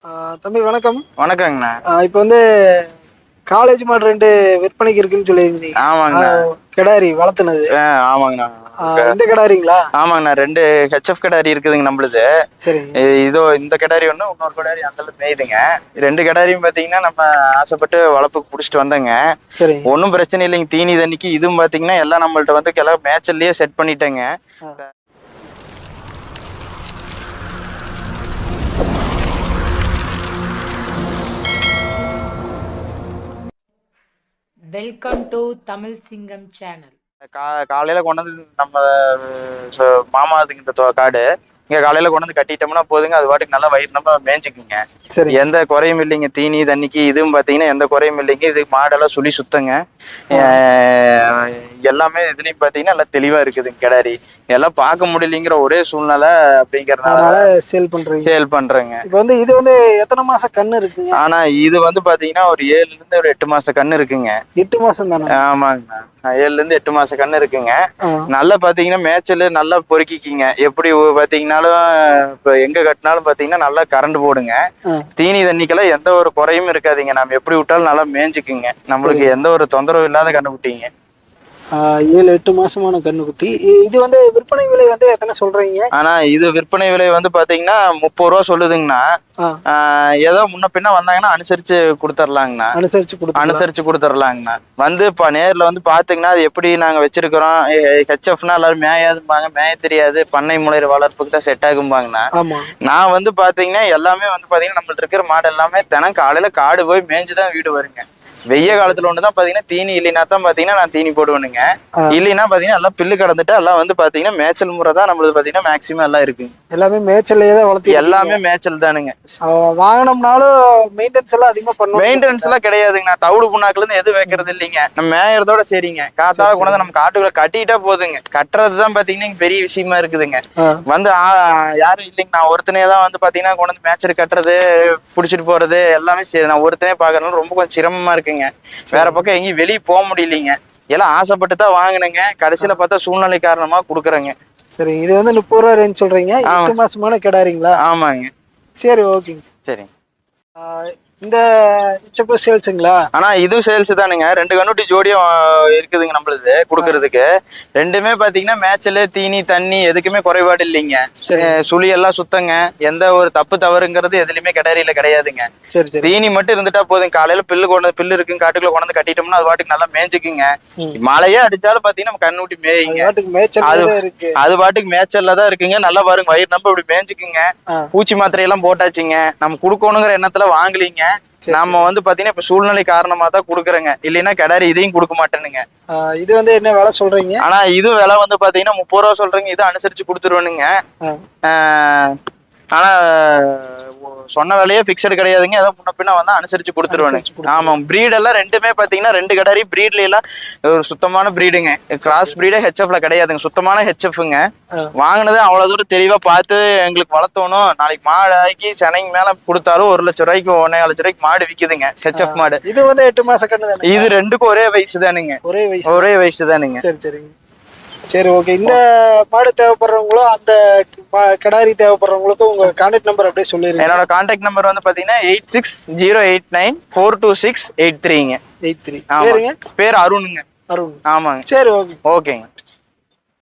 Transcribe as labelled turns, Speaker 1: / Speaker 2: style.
Speaker 1: தம்பி வணக்கம்.
Speaker 2: வணக்கங்கண்ணா.
Speaker 1: இப்போ வந்து காலேஜ் மாடு 2 விற்பனைக்கு இருக்குன்னு சொல்லியிருந்தீங்க.
Speaker 2: ஆமாங்கண்ணா.
Speaker 1: கிடாரி வளர்த்துனது.
Speaker 2: ஆமாங்கண்ணா.
Speaker 1: இந்த கிடாரிங்களா?
Speaker 2: ஆமாங்கண்ணா. 2 ஹெச்எஃப் கிடாரி இருக்குதுங்க நம்மளுது.
Speaker 1: சரிங்க.
Speaker 2: இதோ இந்த கிடாரி ஒன்று, இன்னொரு கிடாரி அந்த மேயுதுங்க. 2 கிடாரியும் பார்த்தீங்கன்னா நம்ம ஆசைப்பட்டு வளர்ப்புக்கு பிடிச்சிட்டு வந்தேங்க.
Speaker 1: சரிங்க.
Speaker 2: ஒன்றும் பிரச்சனை இல்லைங்க. தீனி தண்ணிக்கு இதுவும் பார்த்தீங்கன்னா எல்லாம் நம்மள்ட்ட வந்து மேய்ச்சல்லையே செட் பண்ணிட்டேங்க.
Speaker 3: Welcome to Tamil Singam channel.
Speaker 2: காலையில கொண்டு வந்து நம்ம மாமா இந்த காடு இங்க காலையில கொண்டு வந்து கட்டிட்டோம்னா போதுங்க. அது பாட்டுக்கு நல்லா வயிறு நம்ம மேய்ஞ்சிக்குங்க. எந்த குறையும் இல்லைங்க. தீனி தண்ணிக்கு இதுவும் பாத்தீங்கன்னா எந்த குறையும் இல்லைங்க. இது மாடெல்லாம் சுழி சுத்தங்க. எல்லாமே இதுலயும் பாத்தீங்கன்னா எல்லாம் தெளிவா இருக்குதுங்க. கிடாரி எல்லாம் பார்க்க முடியலைங்கிற ஒரே சூழ்நிலை அப்படிங்கறதுனால சேல் பண்றேங்க.
Speaker 1: இப்போ வந்து இது வந்து எத்தனை மாச கண்ணு இருக்குங்க?
Speaker 2: ஆனா இது வந்து பாத்தீங்கன்னா ஒரு 7ல இருந்து ஒரு 8 மாச கண்ணு இருக்குங்க.
Speaker 1: 8 மாசம் தானே?
Speaker 2: ஆமாங்கண்ணா. 7ல இருந்து 8 மாச கண்ணு இருக்குங்க. நல்லா பாத்தீங்கன்னா மேய்ச்சல் நல்லா பொறுக்கிக்கிங்க. எப்படி பாத்தீங்கன்னாலும் இப்ப எங்க கட்டினாலும் பாத்தீங்கன்னா நல்லா கரண்ட் போடுங்க. தீனி தண்ணிக்கெல்லாம் எந்த ஒரு குறையும் இருக்காதுங்க. நம்ம எப்படி விட்டாலும் நல்லா மேய்ஞ்சுக்குங்க. நம்மளுக்கு எந்த ஒரு தொந்தரவு இல்லாத கண்டுபிடிங்க.
Speaker 1: 7-8 மாசமான கண்ணுக்குட்டி. இது வந்து விற்பனை விலை வந்து எத்தனை சொல்றீங்க?
Speaker 2: ஆனா இது விற்பனை விலை வந்து பாத்தீங்கன்னா 30 ரூபா சொல்லுதுங்கண்ணா. ஏதோ முன்ன பின்ன வந்தாங்கன்னா அனுசரிச்சு கொடுத்துர்லாங்கண்ணா. அனுசரிச்சு கொடுத்துர்லாங்கண்ணா. வந்து இப்ப நேர்ல வந்து பாத்தீங்கன்னா அது எப்படி நாங்க வச்சிருக்கிறோம். ஹெச்எஃப்னா எல்லாரும் மேயாதும்பாங்க. மேய தெரியாது. பண்ணை முறையிற வளர்ப்புக்கு தான் செட் ஆகும்பாங்கண்ணா. நான் வந்து பாத்தீங்கன்னா எல்லாமே வந்து பாத்தீங்கன்னா நம்மள்ட்ட இருக்கிற மாடு எல்லாமே தினம் காலையில காடு போய் மேய்ஞ்சுதான் வீடு வருங்க. வெய்ய காலத்துல ஒண்ணுதான் பாத்தீங்கன்னா தீனி இல்லைன்னா தான் பாத்தீங்கன்னா நான் தீனி போடுவேனுங்க. இல்லைன்னா பாத்தீங்கன்னா எல்லாம் பில்லு கடந்துட்டு எல்லாம் வந்து பாத்தீங்கன்னா மேய்ச்சல் முறை தான் நம்மளுக்கு பாத்தீங்கன்னா மேக்சிமம் எல்லாம் இருக்கு.
Speaker 1: எல்லாமே மேய்ச்சல்லையே தான் வளர்த்து.
Speaker 2: எல்லாமே மேய்ச்சல் தானுங்க.
Speaker 1: வாங்கினோம்னாலும் மெயின்டெனன்ஸ் எல்லாம் அதிகமா பண்ணுவோம்.
Speaker 2: மெயின்டெனன்ஸ் எல்லாம் கிடையாதுங்க. நான் தவிடு புண்ணாக்குல இருந்து எதுவும் வைக்கிறது இல்லைங்க. நம்ம மேயறதோட சரிங்க. காத்தால கொண்டு நம்ம காட்டுக்குள்ள கட்டிட்டா போதுங்க. கட்டுறதுதான் பாத்தீங்கன்னா பெரிய விஷயமா இருக்குதுங்க. வந்து யாரும் இல்லைங்க. நான் ஒருத்தனே தான் வந்து பாத்தீங்கன்னா கொண்டு வந்து மேய்ச்சல் கட்டுறது புடிச்சிட்டு போறது எல்லாமே சரி. நான் ஒருத்தனே பாக்குறதுனால ரொம்ப கொஞ்சம் சிரமமா இருக்குங்க. வேற பக்கம் எங்கேயும் வெளியே போக முடியலைங்க. எல்லாம் ஆசைப்பட்டு தான் வாங்கினுங்க. கடைசியில பார்த்தா சூழ்நிலை காரணமா குடுக்குறேங்க.
Speaker 1: சரி. இது வந்து 30 ரூபா ரேஞ்ச் சொல்றீங்க. 8 மாசமான கிடாரிங்களா?
Speaker 2: ஆமாங்க.
Speaker 1: சரி, ஓகேங்க.
Speaker 2: சரிங்க.
Speaker 1: இந்த சேல்ஸுங்களா?
Speaker 2: ஆனா இதுவும் சேல்ஸ் தானுங்க. 2 கண்ணுட்டி ஜோடியும் இருக்குதுங்க நம்மளுது குடுக்கறதுக்கு. ரெண்டுமே பாத்தீங்கன்னா மேய்ச்சல் தீனி தண்ணி எதுக்குமே குறைபாடு இல்லைங்க. சுழி எல்லாம் சுத்தங்க. எந்த ஒரு தப்பு தவறுங்கிறது எதுலயுமே கிடாரியில கிடையாதுங்க. தீனி மட்டும் இருந்துட்டா போதும். காலையில பில்லு இருக்குங்க. காட்டுக்குள்ள கொண்டு கட்டிட்டோம்னா அது பாட்டுக்கு நல்லா மேய்ஞ்சுக்குங்க. மழையே அடிச்சாலும் பாத்தீங்கன்னா நம்ம கண்ணுட்டி மேய்ங்க. அது பாட்டுக்கு மேய்ச்சல்ல தான் இருக்குங்க. நல்லா பாருங்க வயிறு நம்ம இப்படி மேய்ஞ்சுக்குங்க. பூச்சி மாத்திரை எல்லாம் போட்டாச்சுங்க. நம்ம குடுக்கணுங்கிற எண்ணத்துல வாங்கலீங்க. நாம வந்து பாத்தீங்கன்னா இப்ப சூழ்நிலை காரணமா தான் குடுக்குறேங்க. இல்லைன்னா கிடாரி இதையும் கொடுக்க மாட்டேனுங்க.
Speaker 1: இது வந்து என்ன விலை சொல்றீங்க?
Speaker 2: ஆனா இது விலை வந்து பாத்தீங்கன்னா 30 ரூபா சொல்றீங்க. இது அனுசரிச்சு கொடுத்துருவேனுங்க. ஆனா சொன்ன விலையே பிக்சடு கிடையாதுங்க. ஏதோ முன்ன பின்ன வந்தா அனுசரிச்சு கொடுத்துருவேனுங்க. ஆமா. பிரீட் எல்லாம் ரெண்டுமே பாத்தீங்கன்னா 2 கிடாரி பிரீட்ல எல்லாம் ஒரு சுத்தமான பிரீடுங்க. கிராஸ் பிரீடே ஹெச்எஃப்ல கிடையாதுங்க. சுத்தமான ஹெச்எஃப்ங்க. வாங்கினது அவ்வளவு தூரம் தெளிவா பார்த்து எங்களுக்கு வளர்த்தணும். நாளைக்கு மாடு ஆக்கி சென்னைக்கு மேல கொடுத்தாலும் 1 லட்சம் ரூபாய்க்கு 1.5 லட்சம் ரூபாய்க்கு மாடு விக்குதுங்க. ஹெச்எஃப் மாடு.
Speaker 1: இது வந்து 8 மாச கண்ணு.
Speaker 2: இது ரெண்டுக்கும் ஒரே வயசு தானுங்க. ஒரே வயசு தானுங்க.
Speaker 1: சரி சரிங்க. சரி, ஓகே. இந்த மாடு தேவைப்படுறவங்களும் அந்த கிடாரி தேவைப்படுறவங்களுக்கும் உங்க கான்டாக்ட் நம்பர் அப்படியே சொல்லிருங்க.
Speaker 2: என்னோட கான்டாக்ட் நம்பர் வந்து பாத்தீங்கன்னா 8608942683ங்க.
Speaker 1: 83.
Speaker 2: பேர் அருணுங்க.
Speaker 1: அருண்.
Speaker 2: ஆமாங்க.
Speaker 1: சரி, ஓகே.
Speaker 2: ஓகேங்க.